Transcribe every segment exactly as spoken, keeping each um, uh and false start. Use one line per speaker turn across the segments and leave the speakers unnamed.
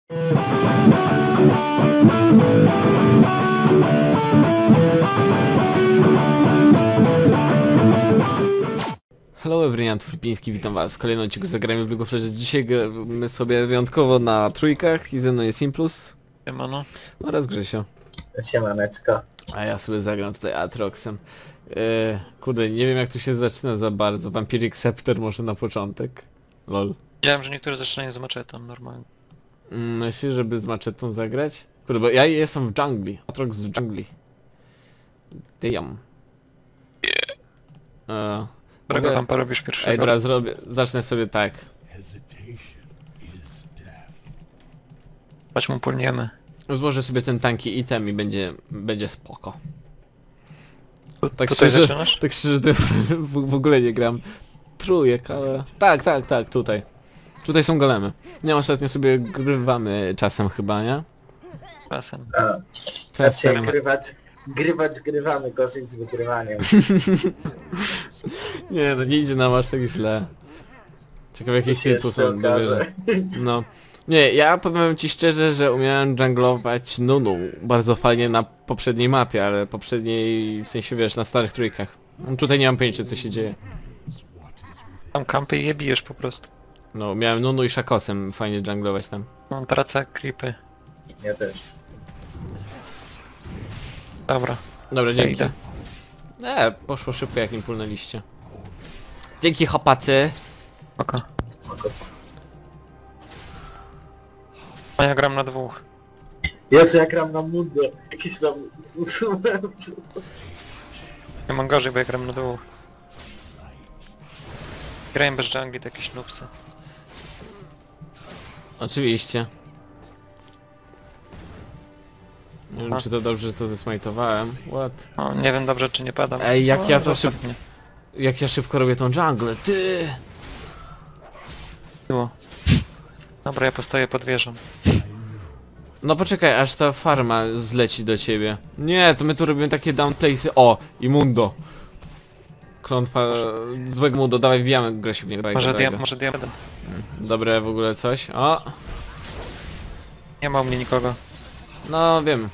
Hello everyone, Filipiński, witam was w kolejnym odcinku Zagrajmy w League of Legends. Dzisiaj gramy sobie wyjątkowo na trójkach i ze mną jest Simplus.
Siemano.
Oraz Grzesio.
Siemaneczko.
A ja sobie zagram tutaj Aatroxem. Eee, kurde, nie wiem jak tu się zaczyna za bardzo. Vampiric Scepter może na początek. Lol.
Widziałem, że niektórzy zaczynają z maczetą normalnie.
Mm, myślisz, żeby z maczetą zagrać? Kurde, bo ja jestem w dżungli. Aatrox w dżungli. Damn. Eee,
Którego
mogę...
tam porobisz pierwszego?
Ej, dobra, zrobię. Zacznę sobie tak.
Chodź mu pulniemy.
Złożę sobie ten tanki item i będzie, będzie spoko.
Tu,
Tak
tutaj
szczerze,
zaczynasz?
tak szczerze to w, w ogóle nie gram trójek, ale... Tak, tak, tak, tutaj. Tutaj są golemy. Nie, ostatnio sobie grywamy czasem chyba, nie?
Czasem.
A, znaczy
Czasem.
grywać, grywać grywamy, gorzej z wygrywaniem.
Nie, no nie idzie nam aż tak źle. Ciekawe jakich
się
typów
jeszcze
są dobierze. No. Nie, ja powiem ci szczerze, że umiałem junglować Nunu bardzo fajnie na poprzedniej mapie, ale poprzedniej, w sensie wiesz, na starych trójkach. Tutaj nie mam pojęcia co się dzieje.
Tam kampy i je bijesz po prostu.
No, miałem Nunu i Shakosem fajnie junglować tam.
Mam praca jak creepy.
Ja też.
Dobra.
Dobra,
Ja
dzięki.
idę.
E, poszło szybko jak nim pulnęliście. Dzięki chłopacy.
Oko.
Spoko.
A ja gram na dwóch.
Jezu, ja gram na mundę. Jakiś mam...
Ja mam gorzej, bo ja gram na dwóch. Grałem bez jungli, to jakieś nupsy.
Oczywiście. Nie wiem
Aha.
czy to dobrze, że to zesmajtowałem. What?
O, nie wiem dobrze czy nie padam.
Ej, jak
o,
ja to
zostaw
szybko...
mnie.
Jak ja szybko robię tą dżunglę, ty!
Było. Dobra, ja postoję pod wieżą.
No poczekaj, aż ta farma zleci do ciebie. Nie, to my tu robimy takie downplace'y. O, Imundo. Klątwa złego Mundo, dawaj wbijamy Grzesiu w niego. Dawaj,
Może,
dawaj
dia
go.
może diamentem.
Dobre w ogóle coś. O!
Nie ma u mnie nikogo.
No wiem.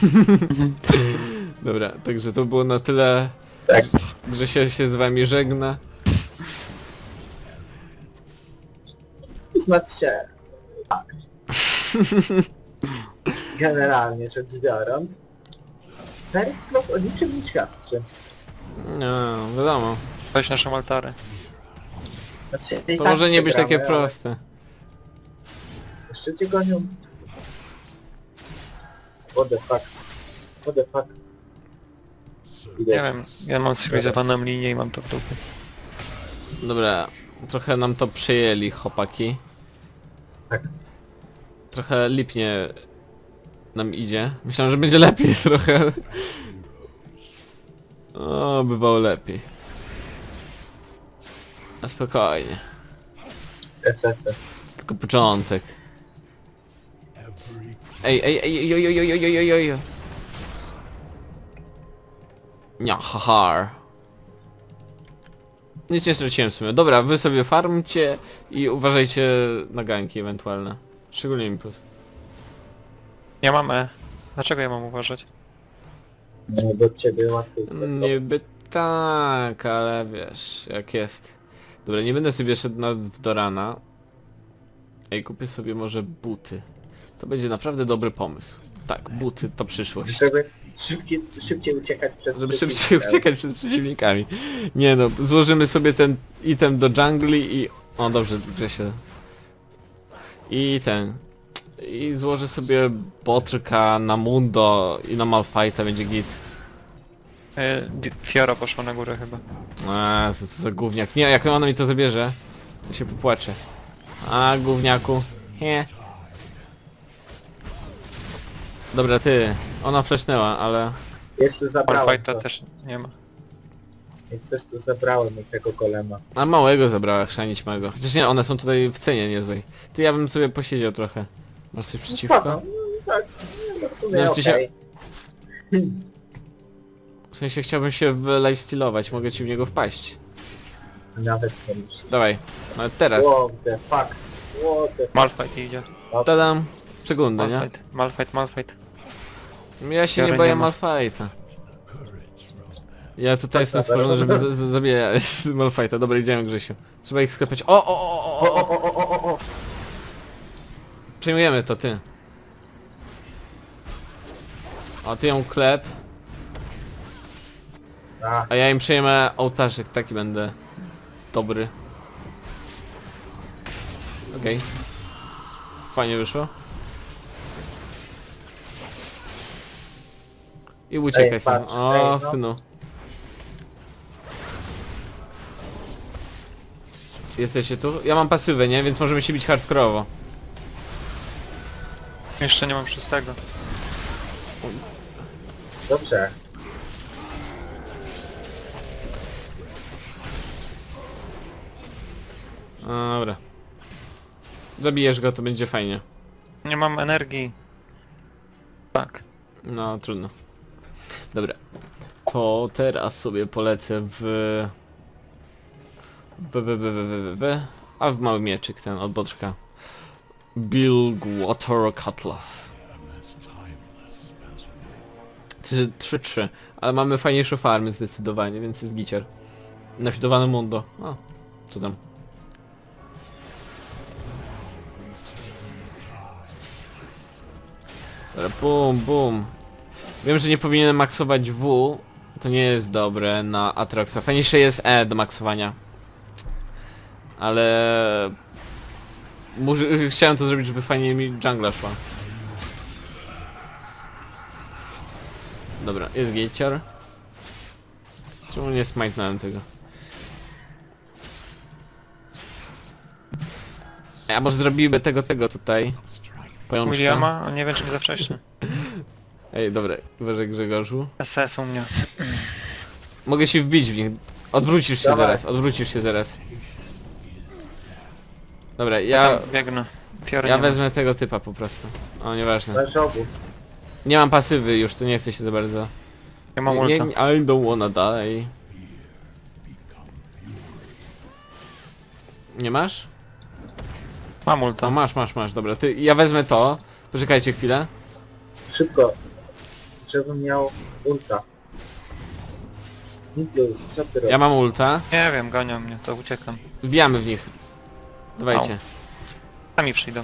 Dobra, także to było na tyle.
Tak.
Grzesio się z wami żegna.
Znaczy się... Tak. Generalnie rzecz biorąc... Periscope o niczym nie świadczy.
No, wiadomo.
Weź naszą altarę.
Znaczy, i
To
tak
może nie być takie
przegramy, ale
proste.
Jeszcze cię gonią. What the fuck. What the fuck. Idę.
Nie wiem, ja mam cywilizowaną linię i mam to w dupie.
Dobra, trochę nam to przejęli chłopaki.
Tak.
Trochę lipnie nam idzie. Myślałem, że będzie lepiej trochę. O, bywało lepiej. A spokojnie.
S S.
Tylko początek. Ej, ej, ej, ej, ej, ej, ej, ej, ej, ej, ej. Nia, haha. Nic nie straciłem w sumie. Dobra, wy sobie farmcie i uważajcie na ganki ewentualne. Szczególnie impuls.
Ja mam E. Dlaczego ja mam uważać?
No do ciebie łatwiej jest.
Niby tak, ale wiesz, jak jest. Dobra, nie będę sobie szedł na, do rana. Ej, kupię sobie może buty. To będzie naprawdę dobry pomysł. Tak, buty to przyszłość.
Żeby szybciej, szybciej uciekać przed
Żeby szybciej
przeciwnikiem.
uciekać przed przeciwnikami. Nie no, złożymy sobie ten item do jungli i... O dobrze, Grzesio. I ten... I złożę sobie botrka na Mundo i na Malphite'a będzie git.
E, di- Fiora poszła na górę chyba.
Eee, co, co za gówniak. Nie, jak ona mi to zabierze, to się popłaczę. A, gówniaku. He. Dobra, ty. Ona flashnęła, ale...
Jeszcze zabrałem
Malphite'a
to.
też nie ma.
Jak coś to zabrałem od tego golema.
A małego zabrała, chrzanić małego. Chociaż nie, one są tutaj w cenie niezłej. Ty, ja bym sobie posiedział trochę. Masz coś
No
przeciwko?
spoko. No, tak, no w sumie
No, w
okej.
sensie- W sensie chciałbym się wylifestylować, mogę ci w niego wpaść.
Nawet nie muszę.
Dawaj, nawet teraz.
What the fuck. What the fuck.
Malphite idzie.
Tadam. Czegundę, nie?
Malfight, Malfight, Malfight.
Ja się
Biorę
nie boję
nie ma.
Malfighta. Ja tutaj jestem
dobra,
stworzony,
dobra.
żeby z- z- zabijać Malfighta. Dobra, idziemy, Grzesiu. Trzeba ich sklepać. O, o, o, o,
O,
o,
o, o, o, o, o!
Przejmujemy to, ty. O, ty ją klep,
A,
a ja im przejmę ołtarzyk, taki będę dobry. Okej. Fajnie wyszło. I uciekaj
Ej,
sam.
patrz,
O,
ej, no.
synu. Jesteście tu? Ja mam pasywę, nie? Więc możemy się bić hardkorowo.
Jeszcze nie mam szóstego.
dobrze.
Dobra. Zabijesz go, to będzie fajnie.
Nie mam energii. Tak.
No, trudno. Dobra. To teraz sobie polecę w... W, w, w, w, w, w, w. A w mały mieczyk ten od Boczka. Bilgewater Cutlass. trzy trzy. Ale mamy fajniejsze farmy zdecydowanie, więc jest gicier. Nafidowane mundo. O, co tam? Dobra, bum, bum. Wiem, że nie powinienem maksować W. To nie jest dobre na Atroxa. Fajniejsze jest E do maksowania. Ale... Może, chciałem to zrobić, żeby fajnie mi jungla szła. Dobra, jest gicior. Czemu nie smajtnąłem tego? Ej, a może zrobimy tego, tego tutaj? Pajączka.
Williama? Nie wiem czy nie za wcześnie.
Ej, dobra, uważaj Grzegorzu.
S S u mnie.
Mogę się wbić w nich. Odwrócisz się
Dawaj.
zaraz, odwrócisz się zaraz. Dobra,
Ja
ja...
tam biegnę. Fiory
Ja
nie ma.
wezmę tego typa po prostu. O, nieważne.
Masz obu.
Nie mam pasywy już, to nie chcę się za bardzo.
Ja mam
Nie,
ulta.
nie, I don't wanna die. Nie masz?
Mam
To
ulta.
masz, masz, masz, dobra. Ty, ja wezmę to. Poczekajcie chwilę.
Szybko. Żebym miał ulta. Nikius, co ty robisz?
Ja mam ulta.
Nie wiem, gonią mnie, to uciekam.
Wbijamy w nich. Dawajcie.
Sami przyjdą.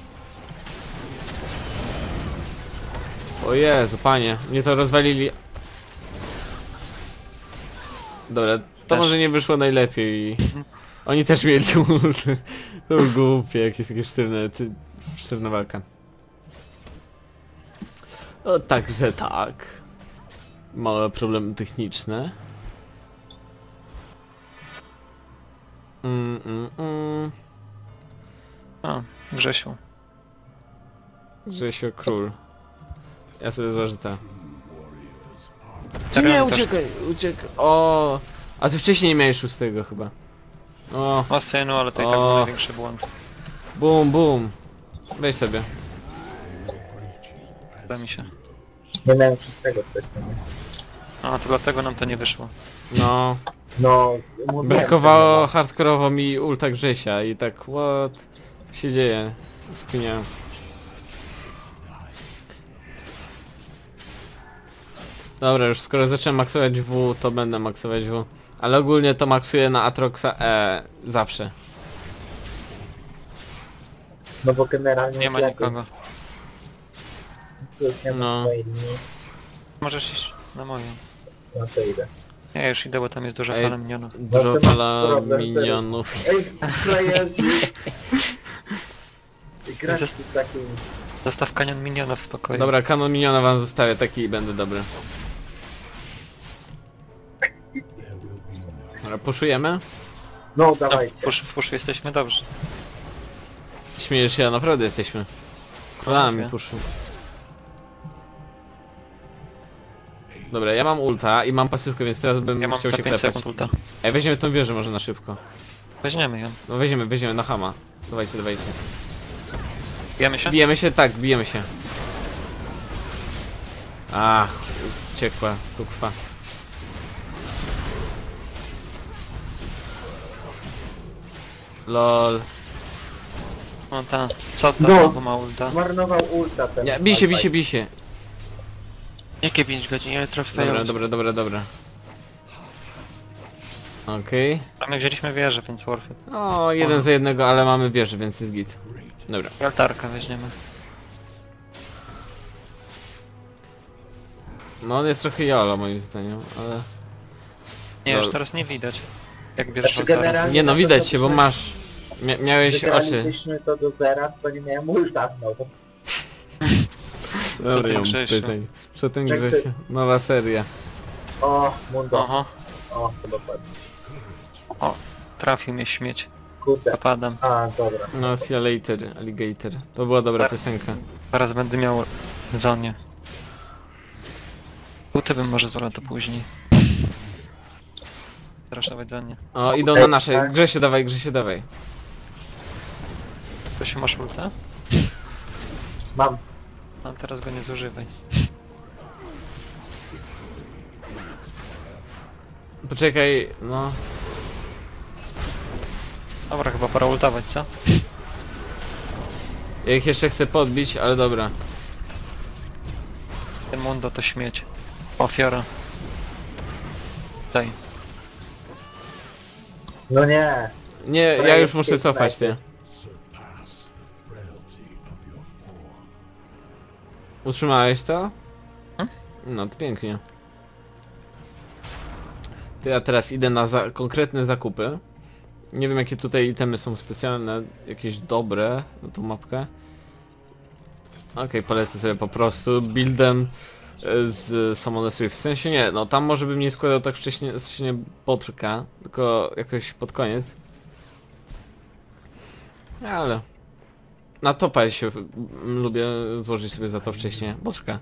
O Jezu, panie. Mnie to rozwalili. Dobra, to
Też.
może nie wyszło najlepiej. Oni też mieli ulty. To było głupie, jakieś takie sztywne, ty, sztywna walka. O, także tak. Małe problemy techniczne. Mm, mm, mm.
O, Grzesiu.
Grzesio król. Ja sobie zważę ta. Ty
Teren
nie,
też.
uciekaj, uciekaj. O, a ty wcześniej nie miałeś szóstego chyba. O,
O synu, ale to i
O.
tak był największy błąd.
bum, bum. Weź sobie.
Uda mi się.
Nie miałem wszystkiego wcześniej.
A, to dlatego nam to nie wyszło.
No,
No, mówiłem,
brakowało
że
hardkorowo mi ulta Grzesia i tak, what? Co się dzieje? Skiniałem. Dobra, już skoro zacząłem maksować W, to będę maksować W. Ale ogólnie to maksuję na Atroxa E zawsze.
No bo generalnie
Nie
jest
ma
lepiej.
nikogo.
Plus nie ma
No.
swojej linii.
Możesz iść na moją.
No to idę.
Ja już idę, bo tam jest duża
Ej.
fala minionów.
Dużo
No to masz
fala
problem,
minionów.
Ej, playerzy! Grać
Jest-
z takim...
Zostaw kanion miniona w spokoju.
Dobra, kanon miniona wam zostawię, taki i będę dobry. Dobra, puszujemy?
No,
No,
dawajcie.
w puszu, w puszu jesteśmy dobrzy.
Śmiejesz się, a naprawdę jesteśmy. Królami
Okej.
puszu. Dobra, ja mam ulta i mam pasywkę, więc teraz bym
Ja mam
chciał
za
się
pięć
klepać.
sekund ulta.
Ej, weźmiemy tą wieżę może na szybko.
Weźmiemy ją.
No weźmiemy, weźmiemy na hama. Dawajcie, dawajcie.
Bijemy się?
Bijemy się? Tak, bijemy się. Ach, uciekła sukwa. Lol.
No ta, co to,
No.
bo ma ulta?
Zmarnował ulta ten.
Nie, bij się, bij
Malphite.
się, bij się.
Jakie pięć godzin? Ja jutro wstaję.
Dobra, dobra, dobra, dobra. Okej.
A my wzięliśmy wieżę, więc worth it.
O, jeden za jednego, ale mamy wieżę, więc jest git. Dobra.
I altarkę weźmiemy.
No on jest trochę jolo moim zdaniem, ale...
Nie,
No.
już teraz nie widać. Jak bierzesz
Znaczy
altarę.
generalnie...
Nie no,
to
widać
to
się, bo
byśmy-
masz... Mia miałeś oczy.
Wygralibyśmy to do zera, to nie miałem ulta znowu.
Dobra,
ten
ją
Grzesiu?
pytaj. Co ten
Tak,
Grzesiu? Nowa seria.
O, Mundo.
Oho,
O, to dokładnie.
o, trafił mnie śmieć.
Kurde.
Zapadam.
A, dobra.
No, see you later, alligator. To była dobra
Tak.
piosenka.
Zaraz będę miał zonie. Buty bym może zrobił to później. Zraszować zonie.
O, idą na nasze.
Tak.
Grzesiu, dawaj, Grzesiu, dawaj.
To się masz ulta?
Mam.
No teraz go nie zużywaj.
Poczekaj, no.
Dobra, chyba pora ultować, co?
Ja ich jeszcze chcę podbić, ale dobra.
Ten Mundo to śmieć. Ofiara. Daj.
No nie.
Nie, ja
Dobra,
już
jest
muszę
jest
cofać, ty.
najpierw.
Utrzymałeś to?
Hmm?
No to pięknie. To ja teraz idę na za konkretne zakupy. Nie wiem jakie tutaj itemy są specjalne, jakieś dobre na tą mapkę. Okej, polecę sobie po prostu buildem e, z Summoner Swift. W sensie nie, no tam może bym nie składał tak wcześnie, wcześnie potrka, tylko jakoś pod koniec. Ale... Na topa się w- m, lubię złożyć sobie za to wcześniej. Boczka.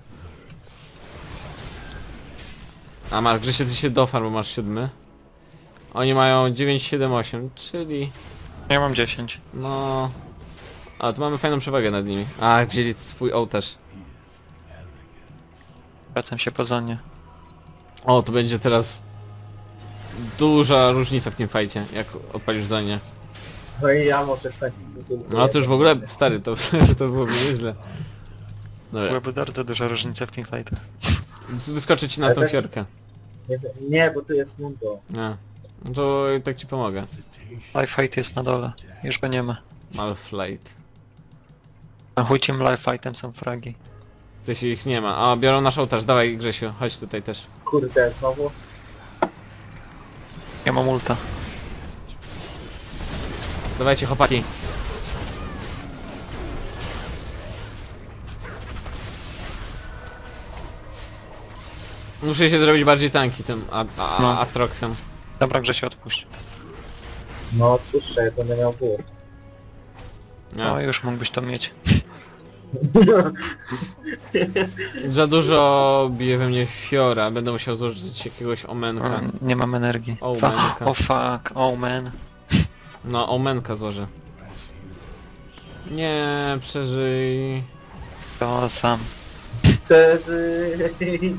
A masz, Grzesie, ty się dofarm, bo masz siódmy. Oni mają dziewięć, siedem, osiem, czyli...
Ja mam dziesięć.
No... A, tu mamy fajną przewagę nad nimi. A, wzięli swój ołtarz.
Wracam się po zonie.
O, to będzie teraz... Duża różnica w tym fajcie, jak odpalisz za nie.
No i ja może stać.
No to już w ogóle, stary, to, to byłoby nieźle. Dobra,
Byłaby bardzo duża różnica w teamfightach.
wyskoczę ci na
Ale
tą
też-
fiorkę.
Nie, nie, bo tu jest Mundo.
Nie. No to i tak ci pomogę.
Life fight jest na dole. Już go nie ma.
Malflight.
A chuj tym life fightem są fragi.
Coś ich nie ma. A, biorą nasz ołtarz, dawaj Grzesiu, chodź tutaj też.
Kurde, znowu.
Ja mam ulta.
Dawajcie chłopaki. Muszę się zrobić bardziej tanki tym a, a,
No.
Atroxem.
Dobra, Grzesie, odpuść.
No odpuszczę, jak będę miał wór.
Nie.
No już mógłbyś to mieć.
Za dużo bije we mnie Fiora, będę musiał złożyć jakiegoś omenka.
O, nie mam energii.
O,
Fa-
manka.
O fuck, oh man.
No, omenka złożę. Nie, przeżyj.
To sam.
Przeżyj.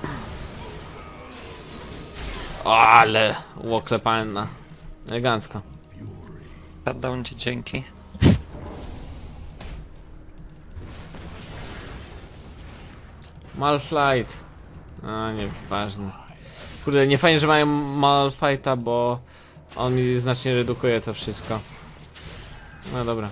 O, ale łoklepanna. Elegancko.
Shutdown ci dzięki.
Malflight. A, nieważne. Kurde, nie fajnie, że mają Malfighta, bo on mi znacznie redukuje to wszystko. No dobra.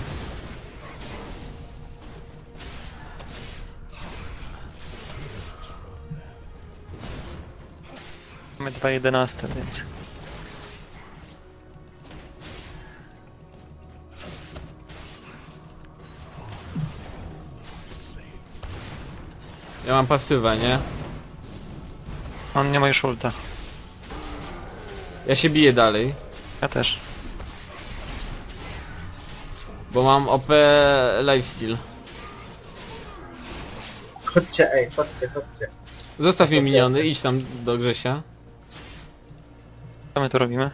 Mamy dwa jedenaste, więc...
Ja mam pasywę, nie?
On nie ma już ulta.
Ja się biję dalej,
Ja też.
bo mam O P lifesteal.
Chodźcie, ej, chodźcie, chodźcie.
Zostaw mi miniony, idź tam do Grzesia.
Co my tu robimy?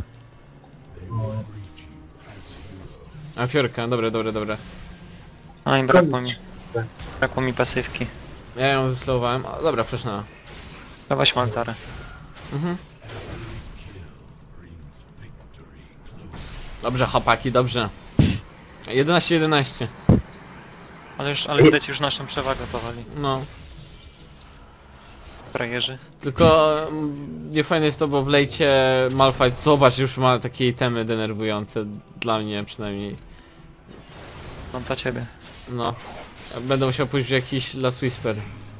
A Fiorka, dobra, dobra, dobra.
A i brakło mi.
Koniec.
Brakło mi pasywki.
Ja ją zeslowałem. O, dobra, flashnęła.
Dawać maltarę.
Mhm. Dobrze, chłopaki, dobrze. jedenaście jedenaście.
Ale już, ale widać już naszą przewagę powoli.
No.
Frajerzy.
Tylko mm, niefajne jest to, bo w lejcie Malphite, zobacz, już ma takie itemy denerwujące. Dla mnie przynajmniej.
Mam dla ciebie.
No. Będę musiał pójść w jakiś Last Whisper.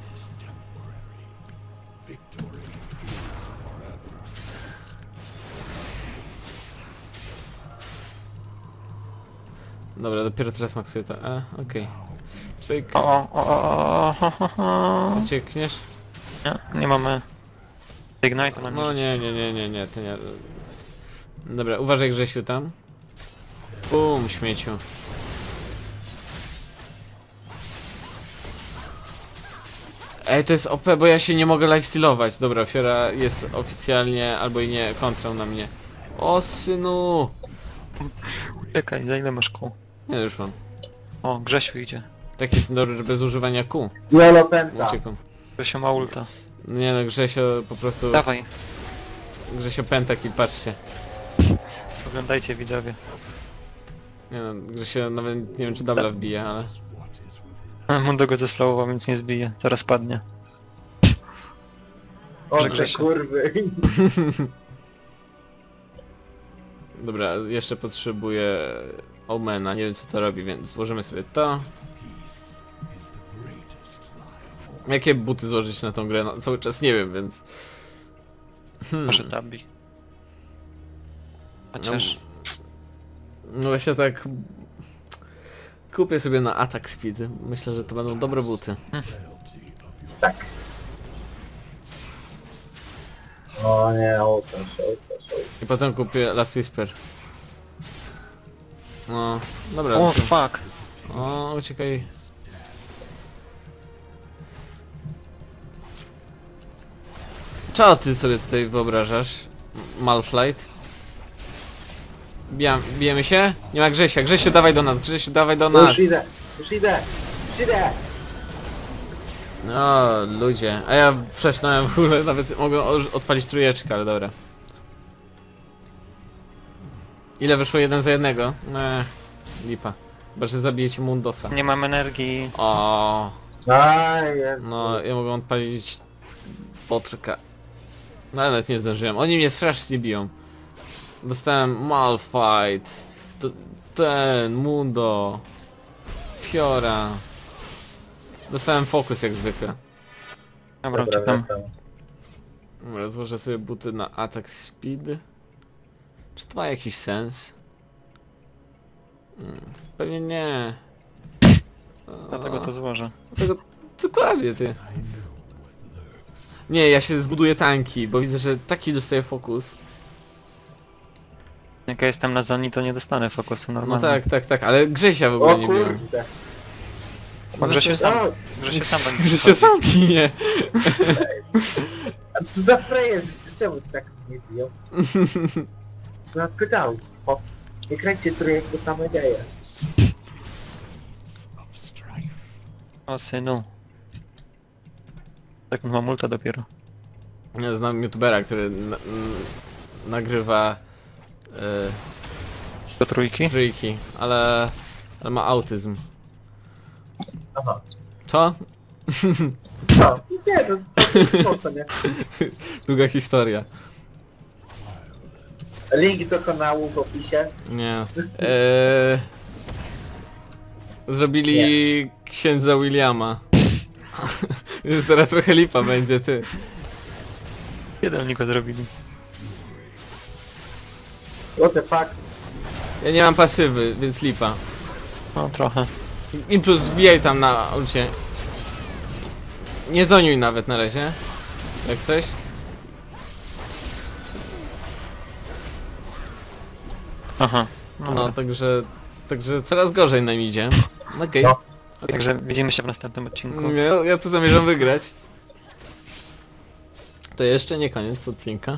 Dobra, dopiero teraz maksuję to. E, okej. Okay.
O, o, o, o, o, o, o.
Uciekniesz?
Nie, nie mamy... Ignite na
No nie, nie, nie, nie, nie, to nie. Dobra, uważaj Grzesiu tam. Bum, śmieciu. Ej, to jest O P, bo ja się nie mogę lifestealować. Dobra, Fiora jest oficjalnie albo i nie kontrą na mnie. O synu!
Czekaj, za ile masz kół?
Nie, już mam.
O, Grzesiu idzie.
Tak jest dobry, że bez używania kół.
Jolo pęta.
Uciekam.
Grzesiu ma ulta.
Nie no, Grzesio po prostu...
Dawaj,
Grzesio pentak i patrzcie.
oglądajcie widzowie.
Nie no, Grzesio nawet nie wiem czy dubla wbije, ale...
Mundo go zeslowował, więc nie zbije. Teraz padnie.
O,
Że
te
Grzesiu.
kurwy.
Dobra, jeszcze potrzebuję Omena, nie wiem co to robi, więc złożymy sobie to. Jakie buty złożyć na tą grę? No, cały czas nie wiem, więc... Hmm.
Może tabi. Chociaż...
No właśnie tak... Kupię sobie na attack speed. Myślę, że to będą dobre buty.
Tak. O nie, ołtarz, ołtarz, ołtarz.
I potem kupię Last Whisper. No, dobra.
O,
muszę-
fuck!
O, uciekaj. Co ty sobie tutaj wyobrażasz? Malphite? Bijam, bijemy się? Nie ma Grzesia. Grzesiu, dawaj do nas. Grzesiu, dawaj do nas.
Już idę, już idę, już idę.
No, ludzie. A ja freshnąłem w ogóle, nawet mogę o- odpalić trójeczkę, ale dobra. Ile wyszło jeden za jednego? Eee, lipa. Chyba, że zabijecie Mundosa.
Nie mam energii.
O,
Aj, Jezu.
no ja mogę odpalić potrka. No ale nawet nie zdążyłem. Oni mnie strasznie biją. Dostałem Malphite. To, ten, Mundo. Fiora. Dostałem fokus jak zwykle.
Dobra,
Dobra,
uciekam.
wracam.
Dobra, złożę sobie buty na attack speed. Czy to ma jakiś sens? Hmm, pewnie nie.
Dlatego to złożę.
Dlatego dokładnie ty. Nie, ja się zbuduję tanki, bo widzę, że taki dostaje fokus.
Jak ja jestem na Zani, to nie dostanę fokusu
No
normalnie.
tak, tak, tak, ale Grzesia w ogóle
O
nie biją.
kurde.
Może się sam,
O,
że się sam będzie
Grzesia
wchodzić.
sam kinie.
a co za frajerzy, czemu tak nie biją? Co za pedałstwo. Nie kręćcie trójek, same dzieje.
O synu. Tak mam multa dopiero.
Ja znam youtubera, który na, n- nagrywa y,
Do trójki?
trójki, ale, ale ma autyzm.
Aha.
Co?
No, nie, to to to nie.
Długa historia.
Link do kanału w opisie.
Nie. Eee, zrobili księdza Williama. Więc teraz trochę lipa będzie, ty.
Kiedy oni go zrobili?
What the fuck?
Ja nie mam pasywy, więc lipa.
No trochę.
I plus wbijaj tam na ulcie. Nie zoniuj nawet na razie. Jak coś.
Aha.
No,
No,
także... Także coraz gorzej nam idzie. Okej.
No.
Także widzimy się w następnym odcinku.
Ja, ja tu zamierzam wygrać. To jeszcze nie koniec odcinka.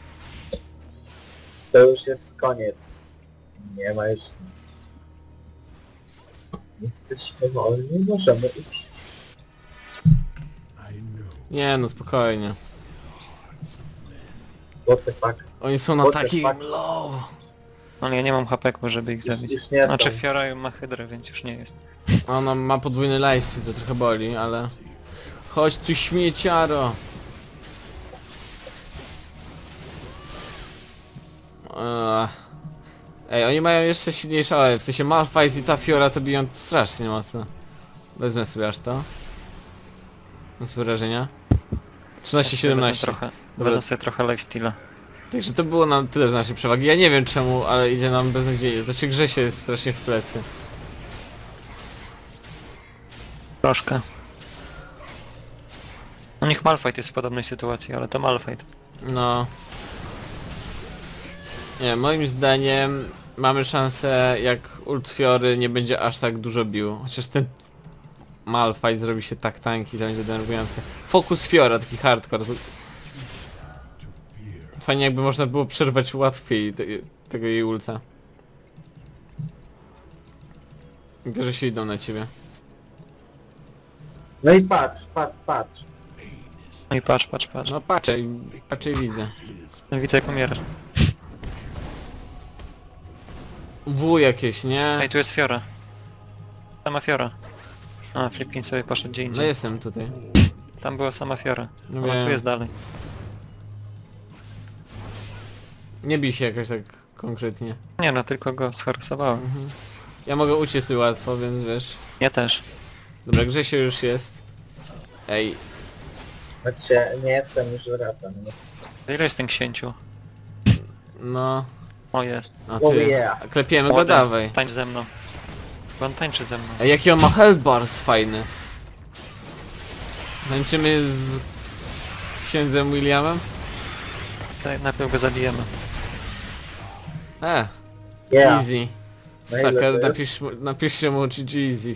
To już jest koniec. Nie ma już nic. Jesteśmy wolni, możemy iść.
Nie no, spokojnie.
What the fuck?
Oni są na
What the
takim
fuck?
low.
Ale ja nie mam hapeku, żeby ich
Już,
zabić.
już nie
Znaczy
są.
Fiora ma hydrę, więc już nie jest.
Ona ma podwójny lifesteal, to trochę boli, ale... Chodź tu śmieciaro! Eee. Ej, oni mają jeszcze silniejsze O E, w sensie Malphite i ta Fiora to biją strasznie mocno. Wezmę sobie aż to. Mam swoje wrażenia. trzynaście siedemnaście.
Trochę,
Dobra.
wezmę sobie trochę lifesteala.
Także to było nam tyle z naszej przewagi. Ja nie wiem czemu, ale idzie nam beznadziejnie. Znaczy Grzesie jest strasznie w plecy.
Troszkę. No niech Malphite jest w podobnej sytuacji, ale to Malphite.
No. Nie, moim zdaniem mamy szansę, jak ult Fiory nie będzie aż tak dużo bił. Chociaż ten Malphite zrobi się tak tanki, to będzie denerwujące. Fokus Fiora, taki hardcore. Fajnie jakby można było przerwać łatwiej te, tego jej ulta. Tylko, że się idą na ciebie.
No i patrz, patrz, patrz.
No i patrz, patrz, patrz.
No patrzę, i- patrzę i widzę.
No widzę jak umierasz.
W jakieś, nie?
Ej, tu jest Fiora. Sama Fiora. A, Flipkin sobie poszedł gdzie
No
indziej.
jestem tutaj.
Tam była sama Fiora.
No
Ona
wiem.
tu jest dalej.
Nie bij się jakoś tak konkretnie.
Nie no, tylko go scharasowałem.
Mhm. Ja mogę uciec sobie łatwo, więc wiesz.
Ja też.
Dobra, Grzesio już jest. Ej,
Znaczy, nie jestem, już wracam. Nie?
Ile jest ten księciu?
no...
O, jest.
A
Oh
ty,
yeah.
klepiemy go,
Młody,
dawaj.
Tańcz ze mną. Bo on tańczy ze mną.
Ej, jaki on ma health bars fajny. Tańczymy z księdzem Williamem?
Daj, najpierw go zabijemy.
E,
Yeah.
easy.
Na ile to
Sucker,
jest?
napisz, mu- napiszcie mu G G easy.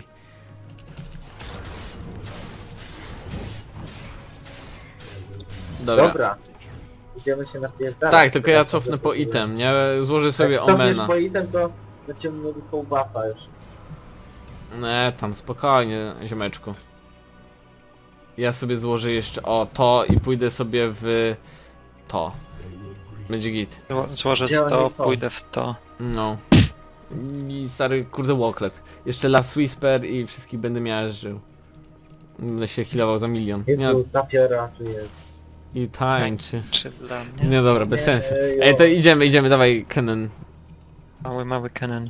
Dobra.
Dobra. Idziemy się napierdalać.
Tak, tylko ja
Teraz
cofnę
to
po
sobie-
item, nie? Złożę sobie
Jak cofniesz
Omena.
po item, to będziemy mieli full buffa już.
Nie, tam spokojnie, ziomeczku. Ja sobie złożę jeszcze o to i pójdę sobie w to. Będzie git.
Zło- Złożę
Gdzie
w to,
oni są?
pójdę w to.
No. I stary kurde łoklep. Jeszcze Last Whisper i wszystkich będę miażdżył. Będę się healował za milion. Nie,
Jezu, ta Fiora tu jest.
i tańczy.
Czy dla mnie?
Nie dobra, bez
Nie,
sensu.
jo.
Ej, to idziemy, idziemy, dawaj Kennen.
Mały, mały Kennen.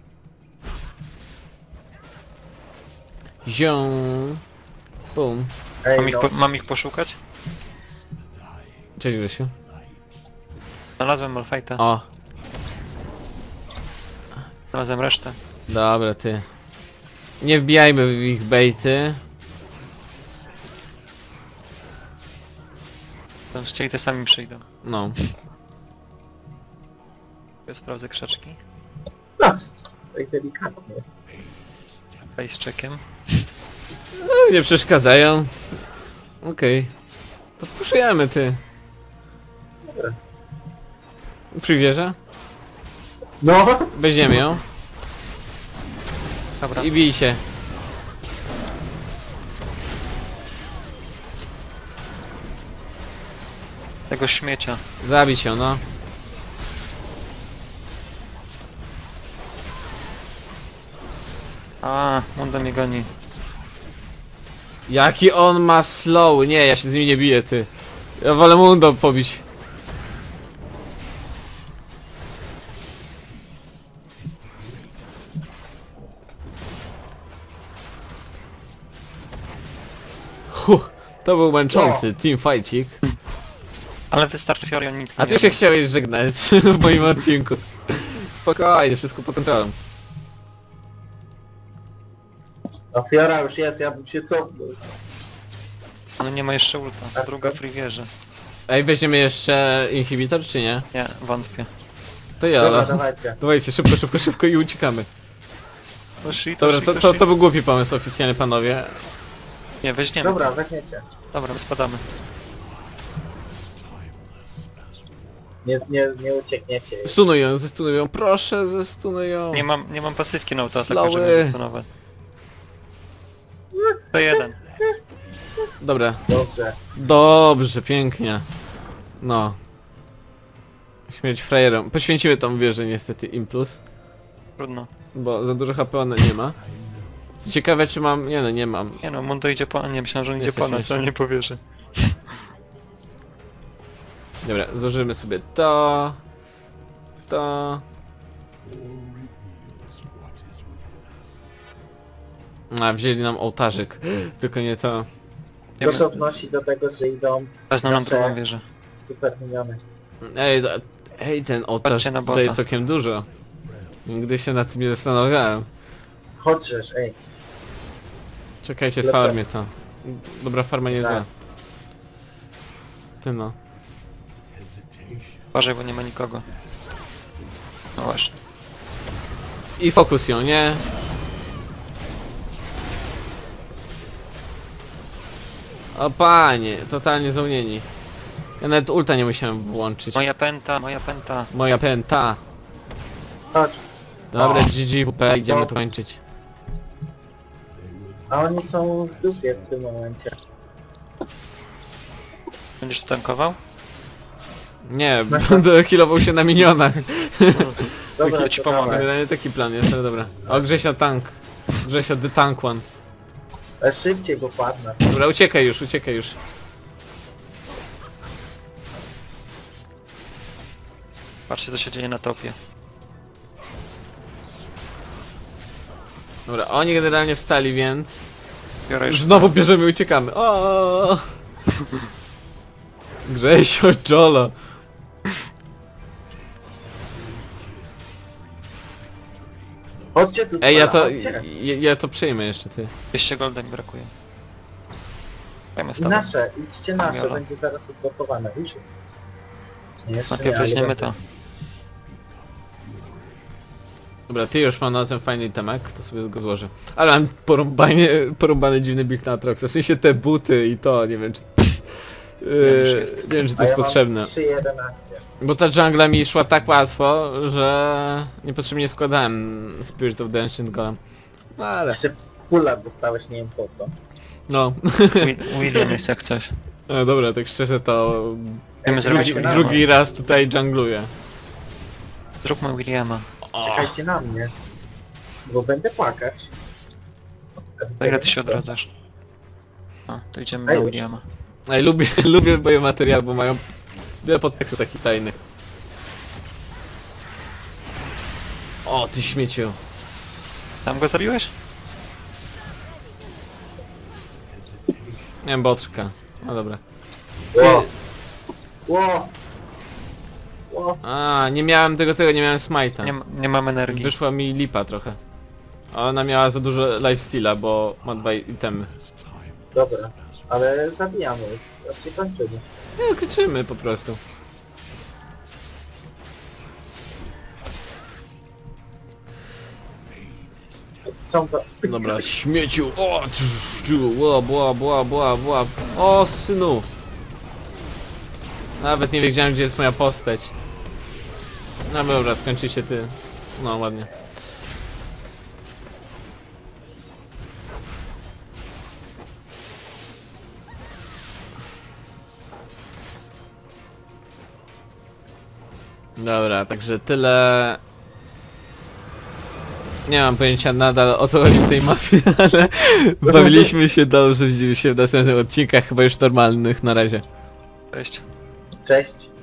Zią. Bum.
Ej,
Mam ich,
no.
po, mam ich poszukać?
Cześć Grzesiu.
Znalazłem Malphite'a.
O,
Znalazłem resztę.
dobra ty. Nie wbijajmy w ich bejty.
To chcieli te sami przyjdą.
No.
Ja sprawdzę krzaczki.
Tak delikatnie.
Face checkiem.
No, nie przeszkadzają. Okej. To puszujemy ty.
Dobra.
Przy wieżę.
No!
Weźmiemy ją.
Dobra.
I bij się.
Tego śmiecia.
Zabić ją, no.
A, Mundo mnie goni.
Jaki on ma slow. Nie, ja się z nim nie biję, ty. Ja wolę Mundo pobić. Huh, to był męczący teamfightcik.
Ale wystarczy Fiori, on nic
A
nie
ty już się chciałeś żegnać w moim odcinku. Spokojnie, wszystko pod kontrolą.
A Fiora już jest, ja bym się cofnął.
On nie ma jeszcze ulta. Druga free wieży.
Ej, weźmiemy jeszcze inhibitor, czy nie?
Nie, wątpię.
To ja,
Dobra,
ale...
dawajcie.
Dawajcie, szybko, szybko, szybko i uciekamy.
Poszli,
Dobra,
poszli,
to, to,
poszli.
to był głupi pomysł oficjalnie, panowie.
Nie, weźmiemy.
Dobra, weźmiecie.
Dobra, my spadamy.
Nie, nie, nie uciekniecie.
Stunuj ją, zestunuj ją, proszę, zestunuj ją.
Nie mam, nie mam pasywki na autoataku,
Slowy.
żeby zastonować. To jeden.
Dobra,
Dobrze.
dobrze, pięknie. No. Śmierć frajerom. Poświęciły tą wieżę niestety Implus,
Trudno.
bo za dużo H P ona nie ma. Co ciekawe czy mam... Nie no, nie mam.
Nie no, Mundo idzie po... Nie, myślałem, że on idzie
Jesteś
po nas,
śmieszny.
ale nie powierzy.
Dobra, złożymy sobie to... To... A, wzięli nam ołtarzyk. Tylko nie to...
To to wnosi do tego, że idą
Wezmą nam
nasze
drugą wieżę.
super miniony.
Ej, do... Ej, ten ołtarz
Patrzcie na
daje
bota.
całkiem dużo. Nigdy się nad tym nie zastanawiałem.
Chodźesz, ej.
Czekajcie,
Lepiej.
sfarmię to. Dobra farma nie
Tak.
zła. Ty no.
Uważaj, bo nie ma nikogo. No właśnie.
I fokus ją, nie? O panie, totalnie zaunieni. Ja nawet ulta nie musiałem włączyć.
Moja penta, moja penta.
Moja pęta.
Chodź.
Dobra,
O.
G G W P, idziemy
No.
to kończyć.
A oni są w dupie w tym momencie.
Będziesz tankował?
Nie, będę healował się na minionach.
Dobra,
Taki ci
to
pomogę.
dawaj.
Generalnie taki plan jest, ale dobra. O, Grzesio tank. Grzesio the tank one.
Ale szybciej, bo padnę.
Dobra, uciekaj już, uciekaj już.
Patrzcie, co się dzieje na topie.
Dobra, oni generalnie wstali, więc...
Biorę
Już
już.
znowu bierzemy i uciekamy. O! Grzesio, Jolo.
Chodźcie tu,
Ej, ja to...
chodźcie.
Ja, ja to przejmę jeszcze, ty.
dwieście golda mi brakuje. Dajmy z
I
tobą.
nasze, idźcie nasze,
Kamiola.
będzie zaraz odblokowane, już. Nie, jeszcze
Najpierw
nie, ale
weźmiemy
będzie.
to.
Dobra, ty już mam na ten fajny temak, to sobie go złożę. Ale mam porąbanie, porąbany dziwny build na Atroxa. W sensie te buty i to, nie wiem czy... Yy,
że jest.
nie wiem czy to
A
jest
ja
potrzebne.
mam trzy jedenaście.
Bo ta jungla mi szła tak łatwo, że niepotrzebnie składałem Spirit of the Ancient Golem. No ale...
Jeszcze pula dostałeś, nie wiem po co.
No.
Wi- William jest jak coś.
No dobra, tak szczerze to...
Chcemy
Ej,
zrobić
Drugi,
czekajcie na
Williama.
drugi raz tutaj jungluję.
Zróbmy Williama.
O,
Czekajcie na mnie. Bo będę płakać.
Za ile ty się odradzasz? A, to idziemy
Ej,
na
już.
Williama.
Ej, lubię, lubię biomateriał, bo mają wiele podtekstów takich tajnych. O, ty śmieciu.
Tam go zabiłeś?
Miałem botrzka. No dobra.
Ło! Ło! Ło!
A, nie miałem tego, tego, nie miałem smite'a.
Nie, ma- nie mam energii.
Wyszła mi lipa trochę. A ona miała za dużo lifesteala, bo ma dwa itemy.
Dobra. Ale zabijamy ich. Znaczy kończymy.
Nie, kończymy po prostu.
Są to...
Dobra, śmieciu. O, tsz, bła, bła, bła, bła, bła. O, synu. Nawet nie wiedziałem, gdzie jest moja postać. No dobra, skończy się ty. No, ładnie. Dobra, także tyle. Nie mam pojęcia nadal o co chodzi w tej mafii, ale bawiliśmy się dobrze, widzimy się w następnych odcinkach, chyba już normalnych na razie.
Cześć.
Cześć.